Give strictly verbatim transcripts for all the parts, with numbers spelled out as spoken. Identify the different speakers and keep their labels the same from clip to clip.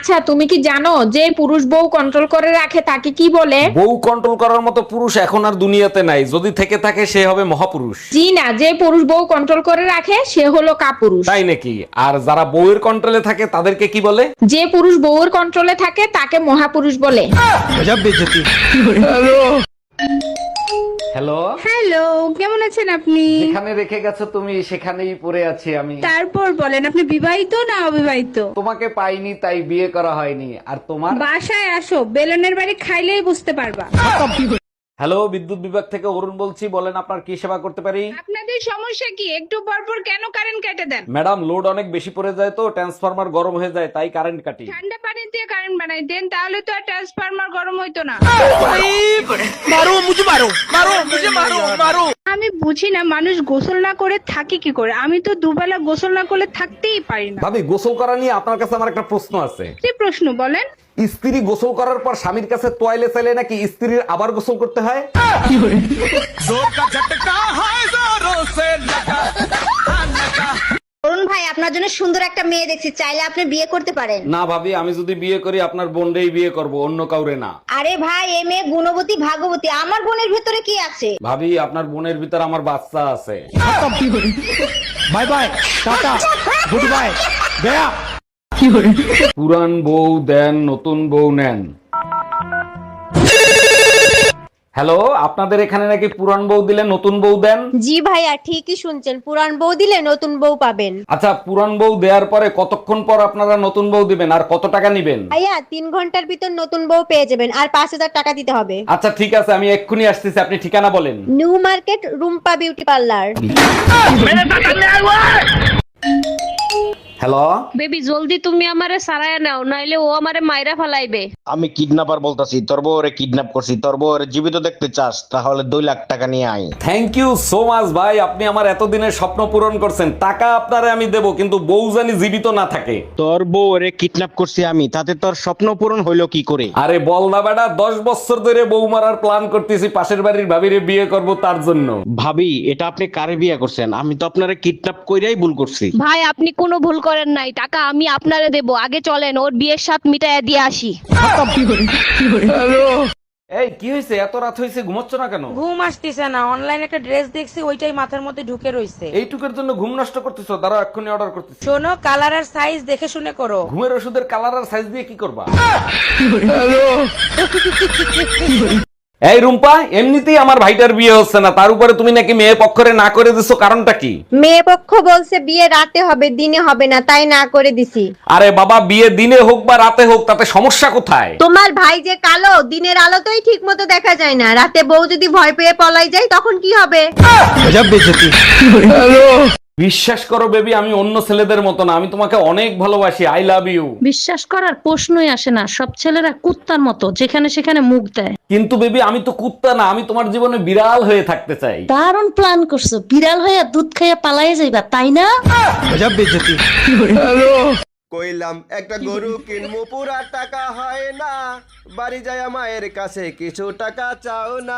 Speaker 1: আচ্ছা তুমি কি জানো যে পুরুষ বউ কন্ট্রোল করে রাখে তাকে কি বলে?
Speaker 2: বউ কন্ট্রোল করার মতো পুরুষ এখন আর দুনিয়াতে নাই, যদি থেকে থাকে সে হবে মহাপুরুষ।
Speaker 1: জি না, যে পুরুষ বউ কন্ট্রোল করে রাখে সে হলো কাপুরুষ।
Speaker 2: তাই নাকি? আর যারা বউয়ের কন্ট্রোলে থাকে তাদেরকে কি বলে?
Speaker 1: যে পুরুষ বউর কন্ট্রোলে থাকে তাকে মহাপুরুষ বলে।
Speaker 2: হ্যালো,
Speaker 3: হ্যালো, কেমন আছেন আপনি?
Speaker 2: যেখানে রেখে গেছো তুমি সেখানেই পড়ে আছি আমি।
Speaker 3: তারপর বলেন, আপনি বিবাহিত না অবিবাহিত?
Speaker 2: তোমাকে পাইনি তাই বিয়ে করা হয়নি। আর তোমার?
Speaker 3: বাসায় আসো, বেলনের বাড়ি খাইলেই বুঝতে পারবা।
Speaker 2: হ্যালো, বিদ্যুৎ বিভাগ থেকে অরুণ বলছি, বলেন আপনার কি সেবা করতে পারি?
Speaker 3: আপনাদের সমস্যা কি? একটু পর পর কেন কারেন্ট কেটে দেন?
Speaker 2: ম্যাডাম, লোড অনেক বেশি পড়ে যায় তো ট্রান্সফরমার গরম হয়ে যায় তাই কারেন্ট কাটি।
Speaker 3: ঠান্ডা পানি দিয়ে কারেন্ট বানাই দেন, তাহলে তো আর ট্রান্সফরমার গরম হইতো না। আমি বুঝি না মানুষ গোসল না করে থাকে কি করে। আমি তো দুবেলা গোসল না করলে থাকতেই পারি না।
Speaker 2: ভাবি, গোসল করা নিয়ে আপনার কাছে আমার একটা প্রশ্ন আছে।
Speaker 3: কি প্রশ্ন বলেন?
Speaker 2: স্ত্রী গোসল করার পর স্বামীর কাছে তোয়ালে চাইলে নাকি স্ত্রীর আবার গোসল করতে হয়?
Speaker 4: অরুণ ভাই, আপনার জন্য সুন্দর একটা মেয়ে দেখছি, চাইলে আপনি বিয়ে করতে পারেন।
Speaker 2: না ভাবি, আমি যদি বিয়ে করি আপনার বোনটাই বিয়ে করব, অন্য কাউরে না।
Speaker 4: আরে ভাই, এই মেয়ে গুণবতী ভাগবতী, আমার বোনের ভেতরে কি আছে?
Speaker 2: ভাবি, আপনার বোনের ভিতর আমার বাচ্চা আছে।
Speaker 5: Bye bye, ta ta, good bye, গয়া।
Speaker 2: পুরান বউ দেন, নতুন বউ নেন। হ্যালো, আপনাদের এখানে নাকি পুরান বউ দিলে নতুন বউ দেন?
Speaker 4: জি ভাইয়া, ঠিকই শুনছেন, পুরান বউ দিলে নতুন বউ পাবেন।
Speaker 2: আচ্ছা, পুরান বউ দেওয়ার পরে কতক্ষণ পর আপনারা নতুন বউ দিবেন আর কত টাকা নিবেন?
Speaker 4: ভাইয়া, তিন ঘন্টার ভিতর নতুন বউ পেয়ে যাবেন, আর পাঁচ হাজার টাকা দিতে হবে।
Speaker 2: আচ্ছা ঠিক আছে, আমি এক্ষুনি আসতেছি, আপনি ঠিকানা বলেন।
Speaker 4: New market, Rumpa beauty parlour.
Speaker 2: Hello,
Speaker 6: baby জলদি তুমি আমারে সারায় নাও, নাইলে ও আমারে মাইরা ফেলাইবে।
Speaker 7: আমি কিডন্যাপার বলতাছি, তোর বউরে কিডন্যাপ করছি। তোর বউরে জীবিত দেখতে চাস তাহলে দুই লাখ টাকা নিয়ে আয়।
Speaker 2: থ্যাংক ইউ সো মাচ ভাই, আপনি আমার এতদিনের স্বপ্ন পূরণ করছেন। টাকা আপনারে আমি দেব, কিন্তু বউ জানি জীবিত না থাকে।
Speaker 7: তোর বউরে কিডন্যাপ করছি আমি, তাতে তোর স্বপ্ন পূরণ হইলো কি করে?
Speaker 2: আরে বল না বেটা, দশ বছর ধরে বউ মারার প্ল্যান করতেছি, পাশের বাড়ির ভাবিরে বিয়ে করব তার জন্য।
Speaker 7: ভাবি, এটা আপনি কারে বিয়ে করছেন? আমি তো আপনারে কিডন্যাপ কইরাই ভুল করছি।
Speaker 6: ভাই আপনি কোনো ভুল করেন নাই, টাকা আমি আপনারে দেব। আগে চলেন ওর বিয়ের সাথ মিটাইয়া দিয়ে আসি।
Speaker 2: এই কি হয়েছে, এত রাত হয়েছে, ঘুমাচ্ছ না কেন?
Speaker 8: ঘুম আসতেছে না, অনলাইন একটা ড্রেস দেখছি, ওইটাই মাথার মধ্যে ঢুকে রইছে।
Speaker 2: এইটুকের জন্য ঘুম নষ্ট করতেছো? দাঁড়াও, এক্ষুনি অর্ডার করতেছি।
Speaker 8: শোনো, কালার আর সাইজ দেখে শুনে করো।
Speaker 2: ঘুমের ওষুধের কালার আর সাইজ দিয়ে কি করবা? এই রুম্পা, এমনিতেই আমার ভাইটার বিয়ে হচ্ছে না, তার উপরে তুমি নাকি মেয়ে পক্ষরে না করে দিছো, কারণটা কি?
Speaker 4: মেয়ে পক্ষ বলছে বিয়ে রাতে হবে, দিনে হবে না, তাই না করে দিছি।
Speaker 2: আরে বাবা, বিয়ে দিনে হোক বা রাতে হোক তাতে সমস্যা কোথায়?
Speaker 4: তোমার ভাই যে কালো, দিনের আলোতেই ঠিক মতো দেখা যায় না, রাতে বউ যদি ভয় পেয়ে পলাই যায় তখন কি হবে?
Speaker 5: গজব বেইজ্জতি।
Speaker 2: বিশ্বাস করো বেবি, আমি অন্য ছেলেদের মতো না, আমি তোমাকে অনেক ভালোবাসি। I love you.
Speaker 6: বিশ্বাস করার প্রশ্নই আসে না, সব ছেলেরা কুত্তার মতো যেখানে সেখানে মুখ দেয়।
Speaker 2: কিন্তু বেবি, আমি তো কুত্তা না, আমি তোমার জীবনে বিড়াল হয়ে থাকতে চাই।
Speaker 6: দারুণ প্ল্যান করছো, বিড়াল হইয়া দুধ খাইয়া পালাইয়া যাইবা, তাই না?
Speaker 5: গজব বেইজ্জতি।
Speaker 9: কইলাম একটা গরু কিনবো, পুরা টাকা হয় না, বাড়ি যায় মায়ের কাছে কিছু টাকা চাও না।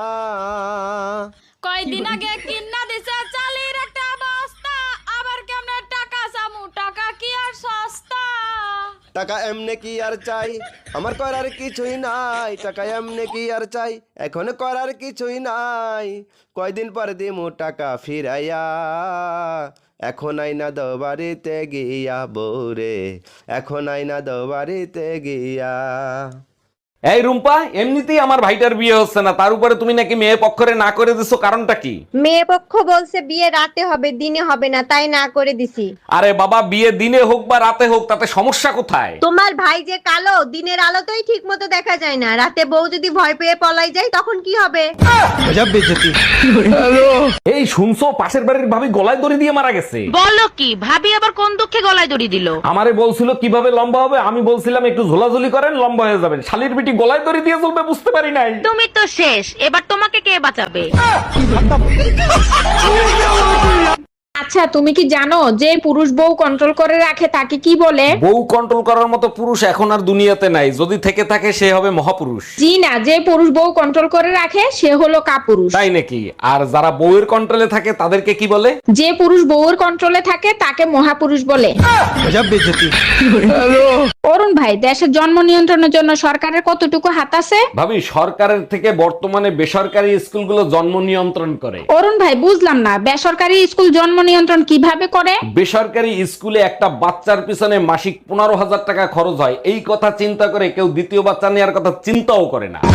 Speaker 6: কয়দিন আগে কিন্না দিছে চালের একটা বস্তা, আবার কেমনে টাকা চামু, টাকা কি আর সস্তা?
Speaker 9: টাকা এমনে কি আর চাই, আমার করার কিছুই নাই। টাকা এমনে কি আর চাই, এখন করার কিছুই নাই। কয়দিন পর দিমু টাকা ফিরাইয়া, এখন আইনা দো বাড়িতে গিয়া বউরে, এখন আইনা দো বাড়িতে গিয়া।
Speaker 2: এই রুম্পা, এমনিতেই আমার ভাইটার বিয়ে হচ্ছে না, তার উপরে তুমি নাকি মেয়ে পক্ষরে না করে দিছো, কারণটা কি?
Speaker 4: মেয়ে পক্ষ বলছে বিয়ে রাতে হবে, দিনে হবে না, তাই না করে দিছি।
Speaker 2: আরে বাবা, বিয়ে দিনে হোক বা রাতে হোক তাতে সমস্যা কোথায়?
Speaker 4: তোমার ভাই যে কালো, দিনের আলোতেই ঠিক মতো দেখা যায় না, রাতে বউ যদি ভয় পেয়ে পলাই যায় তখন কি হবে?
Speaker 5: গজব বেইজ্জতি।
Speaker 2: এই শুনছো, পাশের বাড়ির ভাবি গলায় দড়ি দিয়ে মারা গেছে।
Speaker 6: বলো কি, ভাবি আবার কোন দুঃখে গলায় দড়ি দিল?
Speaker 2: আমারে বলছিল কিভাবে লম্বা হবে, আমি বলছিলাম একটু ঝোলাঝুলি করেন লম্বা হয়ে যাবেন, শালির বিটি গলায় দড়ি দিয়ে চলবে, বুঝতে পারি নাই।
Speaker 6: তুমি তো শেষ, এবার তোমাকে কে বাঁচাবে?
Speaker 1: আচ্ছা তুমি কি জানো যে পুরুষ বউ কন্ট্রোল করে রাখে তাকে কি বলে?
Speaker 2: বউ কন্ট্রোল করার মতো পুরুষ এখন আর দুনিয়াতে নাই, যদি থেকে থাকে সে হবে মহাপুরুষ।
Speaker 1: জি না, যে পুরুষ বউ কন্ট্রোল করে রাখে সে হলো কাপুরুষ।
Speaker 2: তাই নাকি? আর যারা বউয়ের কন্ট্রোলে থাকে তাদেরকে কি বলে?
Speaker 1: যে পুরুষ বউয়ের কন্ট্রোলে থাকে তাকে মহাপুরুষ বলে।
Speaker 5: गजब बेइज्जती।
Speaker 1: অরুণ ভাই, দেশের জন্ম নিয়ন্ত্রণের জন্য সরকারের কতটুকু হাত আছে?
Speaker 2: ভাবি, সরকারের থেকে বর্তমানে বেসরকারি স্কুলগুলো জন্ম নিয়ন্ত্রণ করে।
Speaker 1: অরুণ ভাই, বুঝলাম না বেসরকারি স্কুল জন্ম নিয়ন্ত্রণ কিভাবে করে?
Speaker 2: বেসরকারি স্কুলে একটা বাচ্চার পিছনে মাসিক পনেরো হাজার টাকা খরচ হয়, এই কথা চিন্তা করে কেউ দ্বিতীয় বাচ্চা নেওয়ার কথা চিন্তাও করে না।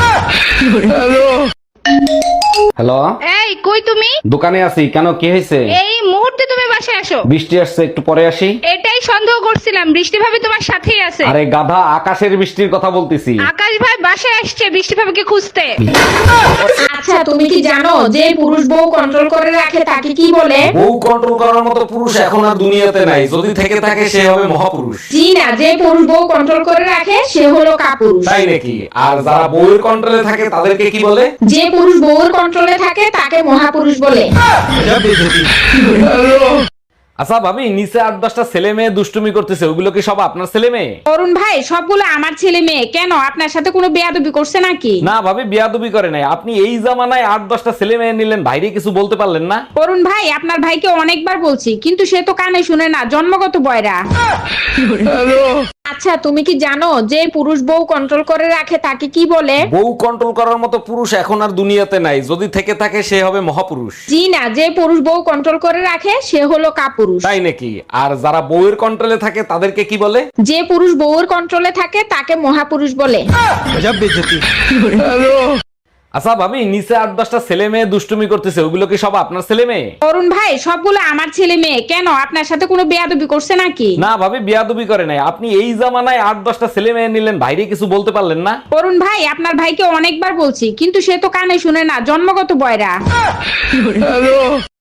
Speaker 2: হ্যালো,
Speaker 3: এই কই তুমি?
Speaker 2: দোকানে আছি। কেন, কি হয়েছে?
Speaker 3: এই মুহূর্তে তুমি বাসায় আসো।
Speaker 2: বৃষ্টি আসছে, একটু পরে আসি।
Speaker 3: এটাই সন্দেহ করছিলাম, বৃষ্টি ভাবি তোমার সাথেই আছে।
Speaker 2: আরে গাধা, আকাশের বৃষ্টির কথা বলতেছি।
Speaker 3: আকাশ ভাই বাসায় আসছে বৃষ্টি ভাবিকে খুঁজতে।
Speaker 1: আচ্ছা তুমি কি জানো যে পুরুষ বউ কন্ট্রোল করে রাখে তাকে কি বলে?
Speaker 2: বউ কন্ট্রোল করার মতো পুরুষ এখন আর দুনিয়াতে নাই, যদি থেকে থাকে সে হবে মহাপুরুষ।
Speaker 1: জি না, যে পুরুষ বউ কন্ট্রোল করে রাখে সে হলো কাপুরুষ।
Speaker 2: তাই নাকি? আর যারা বউয়ের কন্ট্রোলে থাকে তাদেরকে কি বলে?
Speaker 1: যে পুরুষ বউয়ের কন্ট্রোলে থাকে তাকে মহাপুরুষ বলে।
Speaker 5: गजब बेइज्जती।
Speaker 2: আচ্ছা ভাবি, নিচে আট দশটা ছেলে মেয়ে দুষ্টুমি করতেছে, ওগুলো কি সব আপনার ছেলে মেয়ে?
Speaker 1: অরুণ ভাই, সবগুলো আমার ছেলে মেয়ে। কেন, আপনার সাথে কোনো বেয়াদবি করছে নাকি?
Speaker 2: না ভাবি, বিয়াদবি করে নাই। আপনি এই জামানায় আট দশটা ছেলে মেয়ে নিলেন, ভাইরে কিছু বলতে পারলেন না?
Speaker 1: অরুণ ভাই, আপনার ভাইকে অনেকবার বলছি কিন্তু সে তো কানে শুনে না, জন্মগত বয়রা। আচ্ছা তুমি কি জানো যে পুরুষ বউ কন্ট্রোল করে রাখে তাকে কি বলে?
Speaker 2: বউ কন্ট্রোল করার মতো পুরুষ এখন আর দুনিয়াতে নাই, যদি থেকে থাকে সে হবে মহাপুরুষ।
Speaker 1: জি না, যে পুরুষ বউ কন্ট্রোল করে রাখে সে হলো কাপুরুষ।
Speaker 2: তাই নাকি? আর যারা বউয়ের কন্ট্রোলে থাকে তাদেরকে কি বলে?
Speaker 1: যে পুরুষ বউয়ের কন্ট্রোলে থাকে তাকে মহাপুরুষ বলে।
Speaker 5: गजब बेइज्जती।
Speaker 2: আচ্ছা ভাবি, নিচে আট দশটা ছেলে মেয়ে দুষ্টুমি করতেছে, ওগুলো কি সব আপনার ছেলে মেয়ে?
Speaker 1: অরুণ ভাই, সবগুলো আমার ছেলে মেয়ে। কেন, আপনার সাথে কোনো বেয়াদবি করছে নাকি?
Speaker 2: না ভাবি, বিয়াদবি করে নাই। আপনি এই জামানায় আট দশটা ছেলে মেয়ে নিলেন, ভাইরে কিছু বলতে পারলেন না?
Speaker 1: অরুণ ভাই, আপনার ভাইকে অনেকবার বলছি কিন্তু সে তো কানে শুনে না, জন্মগত বয়রা।